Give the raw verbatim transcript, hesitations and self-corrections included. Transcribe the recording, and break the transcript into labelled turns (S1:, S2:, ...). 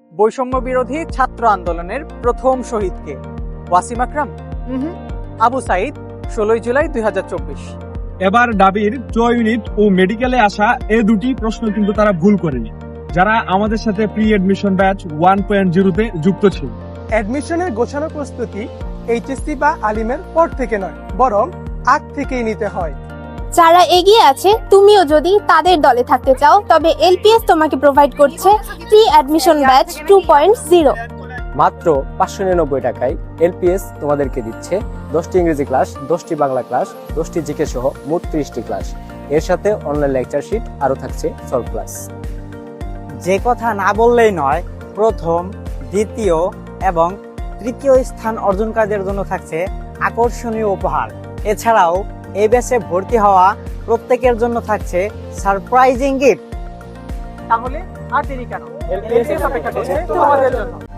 S1: বৈষম্য বিরোধী ছাত্র আন্দোলনের প্রথম শহীদকে? ওয়াসিম আকরাম? হুম আবু সাইদ, ষোলোই জুলাই দুই হাজার চব্বিশ।
S2: এবার ডাবির চ ইউনিট ও মেডিকেলে আসা এ দুটি প্রশ্ন কিন্তু তারা ভুল করেনি, যারা আমাদের সাথে pre admission batch one point জিরোতে যুক্ত ছিল।
S3: অ্যাডমিশনের গোছানো প্রস্তুতি এইচএসসি বা আলিমের পর থেকে নয়, বরং আগ থেকেই নিতে হয়।
S4: যারা এগিয়ে আছে, তুমিও যদি তাদের দলে থাকতে চাও, তবে এলপিএস তোমাকে প্রোভাইড করছে pre admission batch two point zero.
S5: মাত্র পাঁচশো নিরানব্বই টাকায় এলপিএস তোমাদেরকে দিচ্ছে দশটি ইংরেজি ক্লাস, দশটি বাংলা ক্লাস, দশটি জিকে সহ মোট ত্রিশটি ক্লাস। এর সাথে অনলাইন লেকচার শিট আরও থাকছে সলভ ক্লাস।
S6: যে কথা না বললেই নয়, প্রথম, দ্বিতীয় এবং তৃতীয় স্থান অর্জনকারীদের জন্য থাকছে আকর্ষণীয় উপহার। এছাড়াও এই ব্যাচে ভর্তি হওয়া প্রত্যেকের জন্য থাকছে সারপ্রাইজিং গিফট।
S1: তাহলে আর দেরি কেন? এলপিএস অপেক্ষা করছে তোমাদের জন্য।